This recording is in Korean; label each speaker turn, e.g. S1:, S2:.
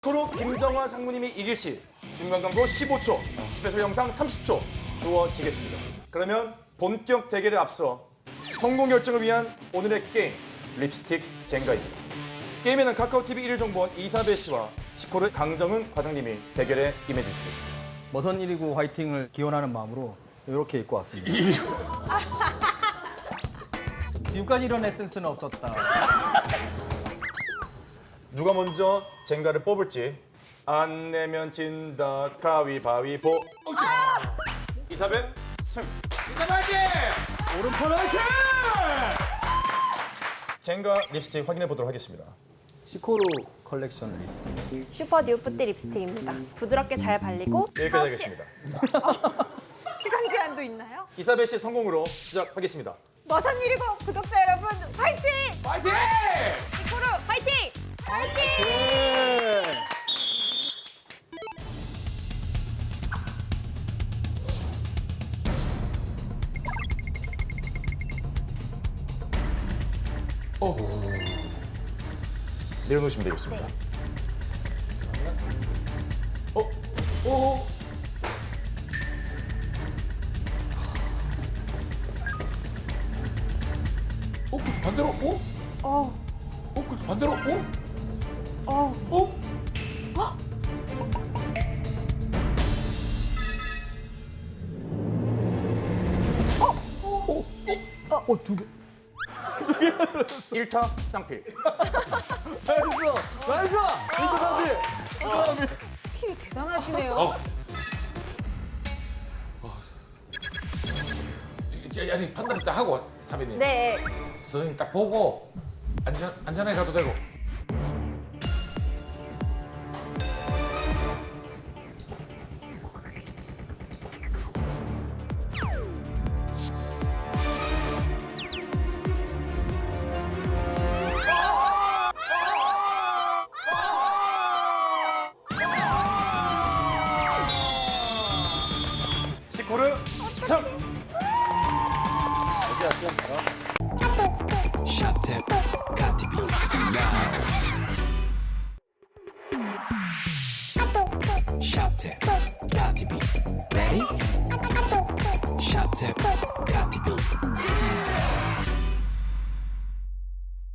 S1: 코로 김정환 상무님이 이길 시 중간 광고 15초, 스페셜 영상 30초 주어지겠습니다. 그러면 본격 대결에 앞서 성공 결정을 위한 오늘의 게임 립스틱 젠가입니다. 게임에는 카카오TV 1일 정보원 이사배 씨와 시코르 강정은 과장님이 대결에 임해주시겠습니다.
S2: 머선 119 화이팅을 기원하는 마음으로 이렇게 입고 왔습니다. 지금까지 이런 에센스는 없었다.
S1: 누가 먼저 젠가를 뽑을지 안 내면 진다 가위바위보. 이사배 승.
S2: 오른팔 화이팅!
S1: 젠가 립스틱 확인해 보도록 하겠습니다.
S2: 시코르 컬렉션 립스틱.
S3: 슈퍼 뉴프티 립스틱입니다. 부드럽게 잘 발리고
S1: 여기까지 하겠습니다.
S4: 시간 제한도 있나요?
S1: 이사배 씨 성공으로 시작하겠습니다.
S4: 머선 119 구독자 여러분 화이팅!
S5: 파이팅!
S4: 이코르 화이팅! 화이팅!
S1: 내려놓으시면 되겠습니다.
S5: 오! 그 반대로 오? 그 반대로 오? 오?
S2: 두 개.
S1: 1타 쌍필.
S2: 나이스! 나이스!
S4: 스킬이 대단하시네요.
S5: 이제 아니 판단 딱 하고 사배님.
S4: 네.
S5: 선생님 딱 보고 안전하게 가도 되고.
S1: 시코르 승.
S6: Shop got to be now. Shop got to be ready. Shop got to be